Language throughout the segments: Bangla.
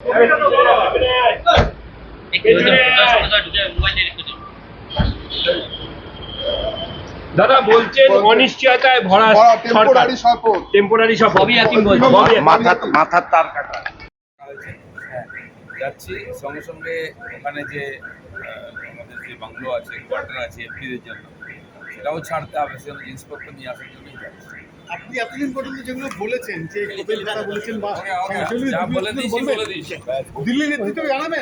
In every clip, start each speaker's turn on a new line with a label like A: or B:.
A: দাদা বলছেন অনিশ্চয়তায় ভরা টেম্পোরারি শপথ মাথার তার কাটা।
B: যাচ্ছি সঙ্গে সঙ্গে ওখানে যে আমাদের যে বাংলো আছে, কোয়ার্টার আছে এমপিদের জন্য, সেটাও ছাড়তে হবে, সেজন্য জিনিসপত্র নিয়ে আসার জন্যই যাচ্ছি।
C: আপনি এতদিন পর্যন্ত যেগুলো বলেছেন, যে কথা বলেছেন বা
B: যা বলে দিয়েছি বলে দিয়েছি,
C: দিল্লি নেতৃত্ব জানাবেন।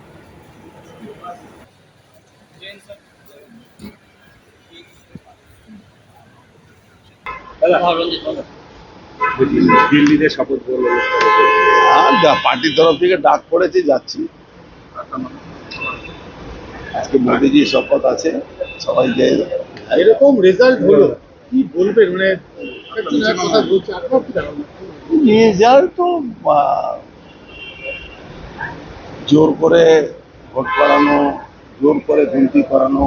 A: দিল্লিতে শপথ গ্রহণ
D: পার্টির তরফ থেকে ডাক পড়েছে, যাচ্ছি। আজকে মোদীজি শপথ আছে, সবাই যে
C: এরকম রেজাল্ট হলো, কি বলবেন? মানে কথা বলছে, আপনার কি ধারণা?
D: রেজাল্ট তো জোর করে ভোট করানো, জোর করে গুনতি করানো,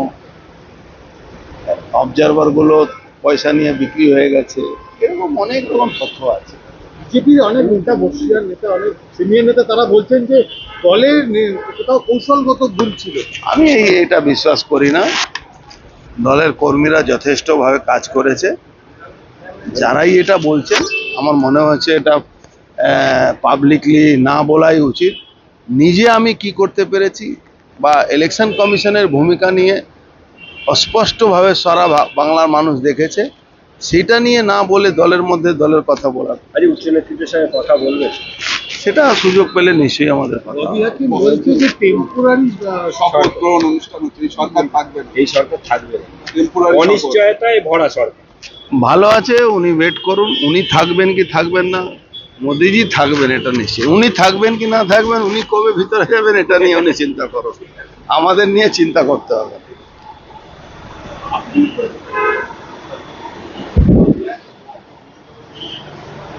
D: অবজারভার গুলো পয়সা নিয়ে বিক্রি হয়ে গেছে, এরকম অনেক রকম তথ্য আছে।
C: বিজেপির অনেক নেতা, বর্ষিয়ান নেতা, অনেক সিনিয়র নেতা, তারা বলছেন যে দলের কোথাও কৌশলগত ভুল ছিল।
D: আমি এটা বিশ্বাস করি না। দলের কর্মীরা যথেষ্টভাবে কাজ করেছে। যারাই এটা বলছেন, আমার মনে হচ্ছে এটা পাবলিকলি না বলাই উচিত। নিজে আমি কি করতে পেরেছি বা ইলেকশন কমিশনের ভূমিকা নিয়ে অস্পষ্টভাবে সারা বাংলার মানুষ দেখেছে, সেটা নিয়ে না বলে দলের মধ্যে দলের কথা বলার।
A: আজ উচ্চ নেতৃত্বের সঙ্গে কথা বলবেন,
D: সেটা সুযোগ পেলে নিশ্চয়ই আমাদের কথা।
C: বলছে যে টেম্পোরারি
B: শপথ গ্রহণ অনুষ্ঠান হচ্ছে, এই সরকার থাকবে না,
A: এই সরকার থাকবে না,
B: টেম্পোরারি
A: অনিশ্চয়তায় ভরা সরকার।
D: ভালো আছে, উনি ওয়েট করুন, উনি থাকবেন কি থাকবেন না। মোদিজি থাকবেন এটা নিশ্চয়ই। উনি থাকবেন কি না থাকবেন, উনি কবে ভিতরে যাবেন, এটা নিয়ে উনি চিন্তা করুন। আমাদের নিয়ে চিন্তা করতে হবে।